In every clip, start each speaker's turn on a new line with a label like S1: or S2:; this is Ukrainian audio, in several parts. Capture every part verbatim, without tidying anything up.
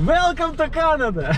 S1: Welcome to Canada!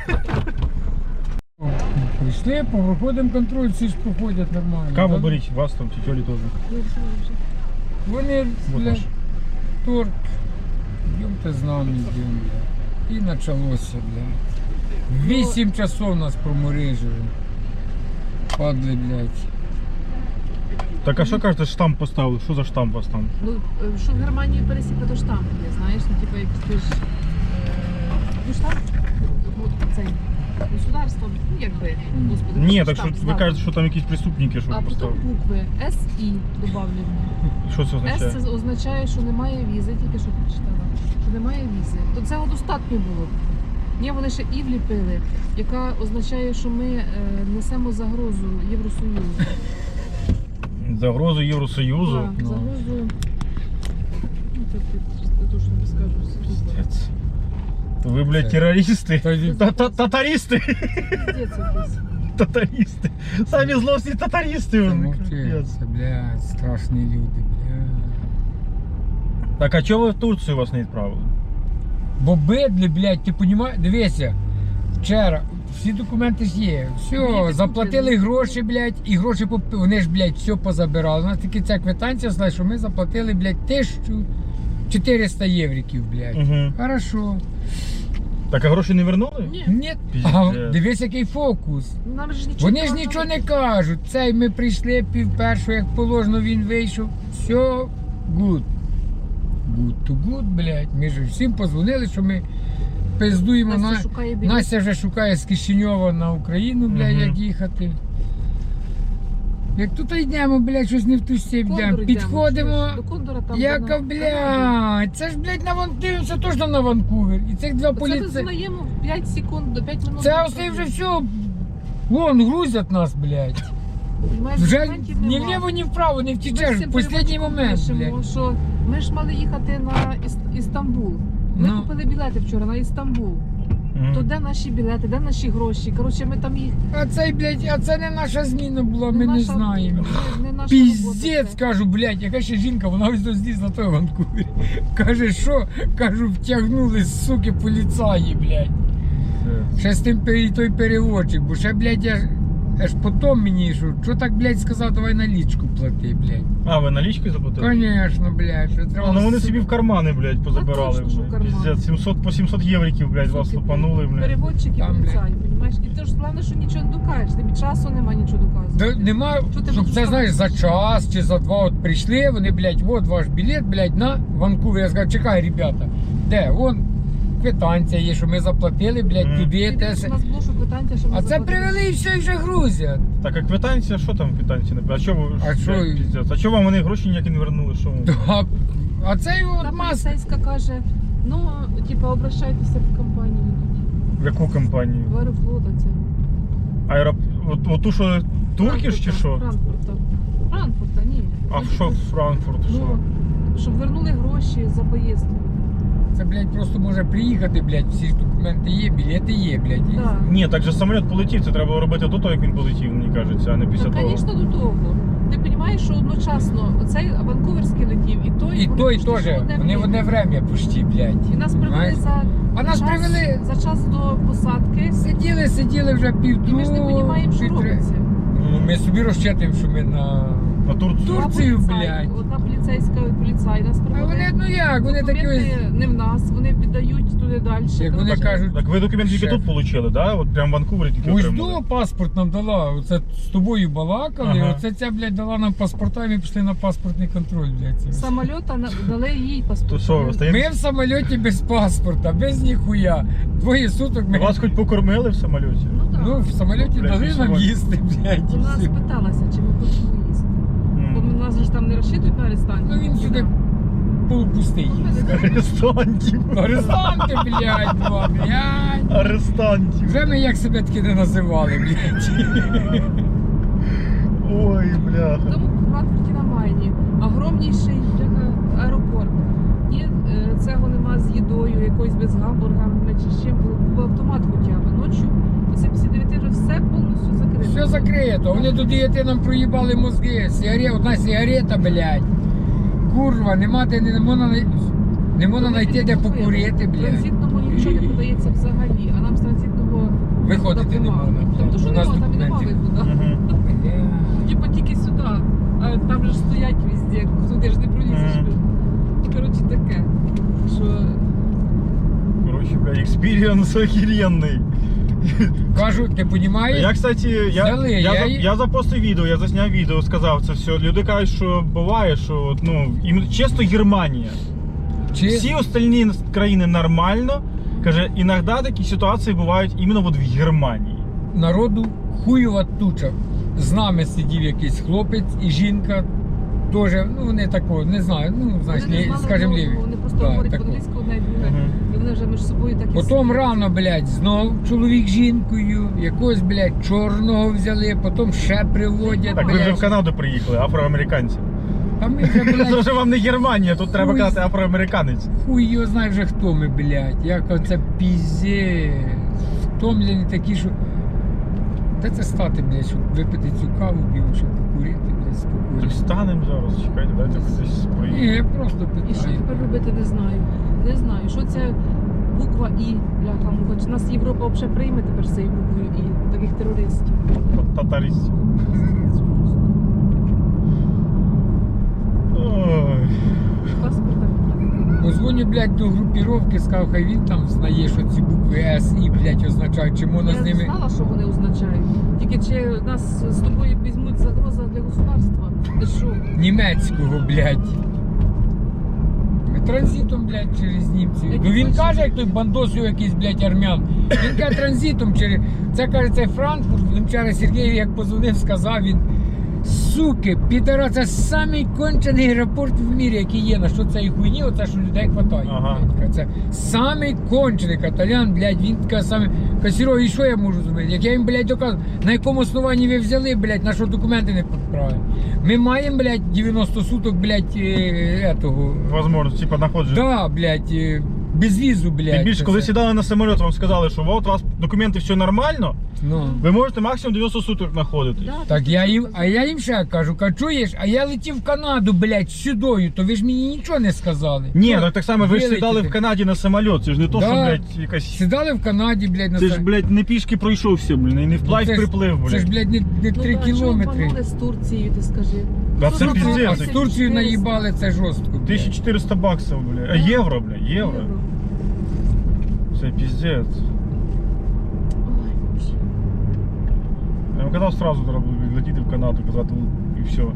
S2: Прийшли, проходимо контроль, всі ж проходять нормально.
S1: Каву
S2: да?
S1: беріть, вас там, тітьолі теж.
S2: Вони,
S1: Вот
S2: бля,
S1: наш.
S2: торт. Йдемте з нами, йдемо, бля. І почалося, бля. Вісім часов нас проморижили. Падли, блядь.
S1: Так а що кажете, штамп поставили? Що за штамп у вас там?
S3: Ну, е, що в Германії пересіпи, то штамп є, знаєш, ну, типу, як ти ж, е, ну, штамп, ну, цей, государство, ну, якби, господи,
S1: Ні,
S3: що
S1: так що
S3: штамп
S1: ви
S3: ставить.
S1: кажете, що там якісь преступники, що
S3: А потім
S1: поставили.
S3: букви С І добавлені.
S1: Що це означає?
S3: С це означає, що немає візи, тільки що прочитала, що немає візи. То цього достатньо було. Ні, вони ще І вліпили, яка означає, що ми е, несемо загрозу Євросоюзу.
S1: Загрозу Євросоюзу.
S3: Так,
S2: Ну.
S3: загрозу. Ну, це ти точно не скажу.
S1: Пиздец. Ви, блядь, терористи.
S2: Та-
S1: Та- Татаристи.
S3: Пиздец якийсь.
S1: Татаристи. Самі злосні татаристи.
S2: Та
S1: вони,
S2: мовчи,
S1: капець.
S2: це, блядь, страшні люди, блядь.
S1: Так, а чого ви в Турцію вас не відправили?
S2: Бо бидли, блядь, ти понімаєш? Дивися, вчора, всі документи ж є. Все,
S3: Ні,
S2: заплатили
S3: ти-
S2: гроші, блядь, і гроші, поп- вони ж, блядь, все позабирали. У нас тільки ця квитанція, знає, що ми заплатили, блядь, тисячу чотириста євриків, блядь.
S1: Угу.
S2: Хорошо.
S1: Так, а гроші не вернули?
S3: Ні,
S2: Ні,
S1: Піздець.
S2: а дивись, який фокус.
S3: нам же нічого.
S2: Вони ж нічого не кажуть. Цей ми прийшли пів першого, як положено, він вийшов. Все, good. Good to good, блядь. Ми ж всім позвонили, що ми пиздуємо.
S3: Настя
S2: на...
S3: шукає білет.
S2: Настя вже шукає з Кишиньова на Україну, блядь,
S1: Мгм.
S2: як їхати. Як тут йдемо, блядь, щось не в ту степь
S3: Кондор
S2: йдемо.
S3: йдемо,
S2: Підходимо.
S3: чуєш? До Кондора там.
S2: Яка,
S3: вона-
S2: блядь, це ж, блядь, на Ван... дивимося точно на Ванкувер. І цих два
S3: Це
S2: поліцей.
S3: дознаємо п'ять секунд до п'ять минут.
S2: Це оце вже все. Вон, грузять нас, блядь.
S3: Понімаєш,
S2: Вже
S3: документів
S2: ні
S3: нема.
S2: вліво, ні вправо не
S3: Ми
S2: втічеш.
S3: з
S2: В
S3: цим
S2: останній
S3: переводчиком
S2: момент,
S3: пишемо,
S2: блядь.
S3: що ми ж мали їхати на Іс- Істамбул. Ми
S2: Ну.
S3: купили білети вчора на Істамбул.
S1: Мгм.
S3: То де наші білети, де наші гроші? Коротше, ми там їх.
S2: А цей, блядь, а це не наша зміна була, ми не
S3: наша-
S2: знаємо.
S3: Не, не наша
S2: Піздець,
S3: робота це.
S2: кажу, блядь, яка ще жінка, вона ось зліз на той Ванкувері. Каже, що? Кажу, втягнули, суки, поліцаї, блядь.
S1: Пиздець.
S2: Ще з тим пері- той переводчик, бо ще, блядь, я ж аж потім мені, що, що так, блядь, сказав, давай налічку плати, блядь.
S1: А, ви налічкою заплатили?
S2: Конечно, блядь, що
S1: А,
S2: треба.
S1: ну вони
S2: сука,
S1: собі в кармани, блядь, позабирали.
S3: точно, що в
S1: блядь.
S3: кармани.
S1: Пиздец, сімсот по сімсот євриків, блядь, вас
S3: Суки,
S1: лупанули, блядь.
S3: Переводчики
S2: Там,
S3: поліцаї, розумієш? І ти ж головне, що нічого не докажеш, тобі часу нема нічого доказувати.
S2: Да, нема,
S3: Що ти
S2: щоб
S3: будеш
S2: це,
S3: там?
S2: знаєш, за час чи за два от прийшли, вони, блядь, от ваш білет, блядь, на Ванкувер. Я сказав, чекай, ребята, де, вон квитанція є, що ми заплатили, блядь,
S1: Мгм.
S2: туди,
S3: Ти
S2: те,
S3: бачиш,
S2: се.
S3: у нас було, що квитанція, що ми
S2: А це
S3: заплатили.
S2: привели і все, і вже грузять.
S1: Так, а квитанція, що там квитанція? написано? А чого ви,
S2: А що?
S1: блядь, пиздець? А чого вам вони гроші ніякі не вернули? Що вам?
S2: А, а цей
S3: Та
S2: от мас.
S3: поліцейська каже, ну, типа, обращайтеся в компанію.
S1: В яку компанію?
S3: В Аерофлота це.
S1: Аероп... От, от ту, що Туркіш чи що?
S3: Франкфурта. Франкфурта, ні.
S1: А що Франкфурт? Що?
S3: Ну, щоб вернули гроші за поїздку.
S2: Це, блядь, просто може приїхати, блядь, всі ж документи є, білети є, блядь. і-
S3: Так.
S1: Ні, так же самоліт полетів, це треба робити до того, як він полетів, мені кажеться, а не після
S3: Так,
S1: того.
S3: звісно, до того. Ти розумієш, що одночасно оцей Ванкуверський летів, і той,
S2: І
S3: вони
S2: той
S3: почти
S2: теж,
S3: що одне
S2: вони в одне время почти, блядь.
S3: І нас привели
S2: Знаєш?
S3: за,
S2: А нас
S3: час,
S2: привели-
S3: за час до посадки,
S2: Сиділи, сиділи вже
S3: і
S2: півдругу.
S3: ми ж не розуміємо, що
S2: півтори-
S3: робиться.
S2: Ну, ми собі розчитуємо, що ми на...
S1: На Турцію.
S2: Тур-
S3: Два
S2: Турцію,
S3: поліцаї,
S2: блядь.
S3: Одна поліцейська поліцай нас
S2: А
S3: привели.
S2: вони, ну як, вони такі
S3: Документи
S2: ось...
S3: не в нас, вони піддають туди далі.
S2: Як вони
S3: Коротше,
S2: кажуть,
S1: Так ви документ тільки
S2: Шеф.
S1: тут отримали, да? От прям в Ванкувері тільки
S2: ось
S1: отримали.
S2: до паспорт нам дала, оце з тобою балакали,
S1: Ага.
S2: оце ця, блядь, дала нам паспорта, і ми пішли на паспортний контроль, блядь.
S3: з самольота на- дали їй
S1: То
S3: паспорт.
S1: що, ви стоїте?
S2: Ми в самоліті без паспорта, без ніхуя. Двоє суток ми...
S1: Вас хоч покормили в самоліті?
S3: Ну так.
S2: Ну, в самоліті
S1: Блядь,
S2: дали нам
S1: пісювати.
S2: їсти, блядь. і
S3: Вона
S2: все.
S3: спиталася, чи ми хочемо їсти. Бо
S1: М.
S3: нас же ж там не розчитують на арестанті.
S2: Ну він сюди полупустий.
S1: Арестантів.
S2: Арестанти, блядь, два, блядь.
S1: Арестантів.
S2: Вже ми як себе таки не називали, блядь.
S1: Ой, бляха.
S3: Тому в Франкфурті на Майні огромніший бляха, аеропорт. І е, цього нема з їдою, якоюсь без гамбурга, не чи з чим. Був автомат хоча б. Ночі оце після дев'яти вже все повністю закрито.
S2: Все закрито. Вони до дев'яти нам проїбали мозги. Сигарет, одна сигарета, блядь. Курва, нема де не можна. Не можна
S3: Ми
S2: знайти, де
S3: підкупуємо.
S2: покурити, блядь.
S3: Транзитному нічого не подається взагалі, а нам з транзитного
S2: Виходити
S3: виходу
S2: не
S3: нема.
S2: можна, блядь.
S3: Тобто, що
S2: У нас
S3: нема, там і нема
S2: документів.
S3: виходу.
S1: Мгм.
S2: Бля.
S3: Типа тільки сюди, а там же ж стоять везде, туди ж не пролізеш.
S1: Мгм.
S3: Коротше таке, що
S1: Короче, бля, експірієнс охеренний.
S2: Кажу, ти розумієш?
S1: Я, кстати, я,
S2: Взяли,
S1: я,
S2: я
S1: за,
S2: її-
S1: я запостив відео, я засняв відео, сказав це все. Люди кажуть, що буває, що от, ну, ім- чисто Германія.
S2: Чи
S1: Всі остальні країни нормально. Каже, іноді такі ситуації бувають іменно от в Германії.
S2: народу хуєва туча. З нами сидів якийсь хлопець і жінка. Теж, ну вони такого, не знаю, ну, знаєш,
S3: вони не
S2: лі-
S3: знали
S2: скажімо,
S3: одного,
S2: ліві.
S3: вони просто
S2: Так,
S3: говорять
S2: такого.
S3: по-англійськи одне і друге.
S1: Мгм.
S3: І вони вже між собою так і
S2: Потім
S3: сидять.
S2: рано, блядь, знов чоловік з жінкою, якогось, блядь, чорного взяли, потім ще приводять,
S1: Так, ви вже в
S2: блядь.
S1: Канаду приїхали, афроамериканці.
S2: А ми вже,
S1: Це
S2: блядь,
S1: вже вам не Германія, тут треба
S2: Хуй.
S1: казати афроамериканець.
S2: хуй його знає вже хто ми, блядь. Як оце пізє. Втомлені такі, що. Де це стати, блядь, щоб випити цю каву, білу, щоб покурити, блядь,
S1: Так
S2: спокійно.
S1: станемо зараз, чекайте, дайте десь
S2: Ні,
S1: проїдемо.
S2: я просто
S3: І що
S2: питаю.
S3: тепер робити, не знаю. Не знаю, що це буква І, бляха, муха. Чи нас Європа взагалі прийме тепер з цією буквою І, таких терористів.
S1: Татаристів. Ой.
S3: Паспорта немає.
S2: Позвоню, блядь, до групіровки, сказав, хай він там знає, що ці букви С, І, блядь, означають, чи можна
S3: Я
S2: з ними.
S3: знала, що вони означають. Тільки чи нас з тобою візьмуть загроза для государства? Ти що?
S2: Німецького, блядь. Ми транзитом, блядь, через німців.
S3: Які
S2: Ну він
S3: бачиш?
S2: каже, як той бандосів якийсь, блядь, армян. Він каже транзитом через. Це каже, це Франкфурт. Він вчора Сергій, як позвонив, сказав він. Суки, підара, це самий кончений аеропорт в мірі, який є. На що цієї хуйні, оце що людей хватає.
S1: Ага.
S2: блядь. Каже, це самий кончений каталян, блядь, він каже саме. Каже, Серега, і що я можу зробити? Як я їм, блядь, доказую, на якому основанні ви взяли, блядь, на що документи не підправили? Ми маємо, блядь, дев'яносто суток, блядь, е, етого.
S1: Возможно, типа находження.
S2: Да, блядь, е, без візу, блядь.
S1: Тим більше,
S2: це
S1: коли
S2: все.
S1: сідали на самоліт, вам сказали, що от у вас документи все нормально,
S2: Ну.
S1: ви можете максимум дев'яносто суток знаходитись.
S3: Да,
S2: Так
S3: ти
S2: я
S3: що
S2: їм,
S3: сказав?
S2: а я їм ще кажу, кажу, чуєш, а я летів в Канаду, блядь, сюдою, то ви ж мені нічого не сказали.
S1: Ні,
S2: Ну,
S1: так так само, ви ж сідали
S2: вилетіти.
S1: в Канаді на самоліт, це ж не то, що,
S2: Да.
S1: блядь, якась...
S2: Сідали в Канаді, блядь, на
S1: Це ж,
S2: сам-
S1: блядь, не пішки пройшовся, блін, і не вплавь
S2: Ну, це ж-
S1: приплив,
S2: Це ж,
S1: блядь.
S2: блядь, не, не
S3: Ну,
S2: три
S3: да,
S2: кілометри.
S3: Чого з Турцією, ти скажи?
S1: Да
S3: Що
S1: це
S3: за
S1: піздець.
S3: Турція?
S2: А з Турцією наїбали це жорстко. блядь.
S1: тисяча чотириста баксів, блядь. А євро, блядь, євро. Це піздець.
S3: Ой, Боже.
S1: Я вам казав, сразу треба було летіти в Канаду, казати, і все.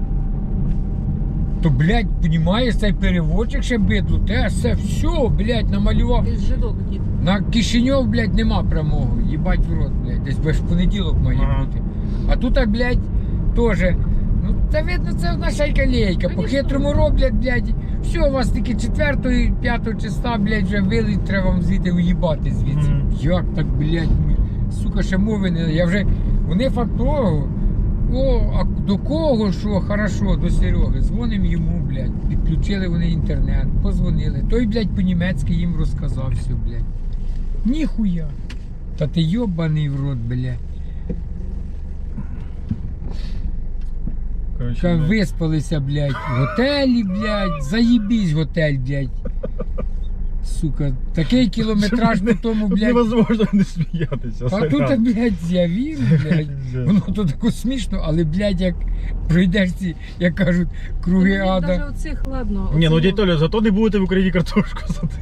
S2: То, блядь, понімаєш, цей переводчик ще бидло, те все, все, блядь, намалював.
S3: Ти ж жидок, дід.
S2: На Кишиньов, блядь, нема прямого. Їбать в рот, блядь. Десь без понеділок має
S1: Ага.
S2: бути. А тут, а, блядь, теж. Ну, це видно, це наша лейка. По
S3: Конечно.
S2: хитрому роблять, блядь. Все, у вас тільки четвертого і п'ятого числа, блядь, вже вилить, треба вам звідти уїбати звідси.
S1: Мгм.
S2: Як так, блядь, ми- сука, ще мови не. Я вже. Вони факт того. О, а до кого що? Хорошо, до Сереги. Дзвоним йому, блядь. Підключили вони інтернет, позвонили. Той, блядь, по-німецьки їм розказав все, блядь. Ніхуя. Та ти йобаний в рот, блядь.
S1: Короче,
S2: Ка
S1: блядь.
S2: виспалися, блядь, в готелі, блядь. Заїбісь готель, блядь. Сука, такий кілометраж по тому,
S1: Тут
S2: блядь.
S1: невозможно не сміятися.
S2: А тут,
S1: сорян.
S2: блядь, я вірю, блядь.
S1: Пиздец.
S2: Воно то тако смішно, але, блядь, як пройдеш ці, як кажуть, круги
S3: Ну,
S2: ада.
S3: Навіть оцих, ладно.
S1: Ні, ну
S3: оцих-
S1: дядь Толя, зато не будете в Україні картошку садити.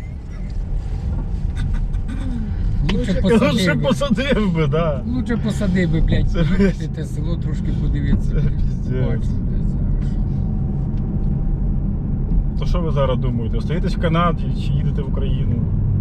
S2: Лучше
S1: Лучше
S2: посадив би.
S1: посадив би, да.
S2: Лучше посадив би, блядь,
S1: Це
S2: їхати
S1: жесть.
S2: те село трошки подивитися.
S1: Це пиздец.
S2: Бачу, блядь, зараз.
S1: То що ви зараз думаєте? Остаєтесь в Канаді чи їдете в Україну?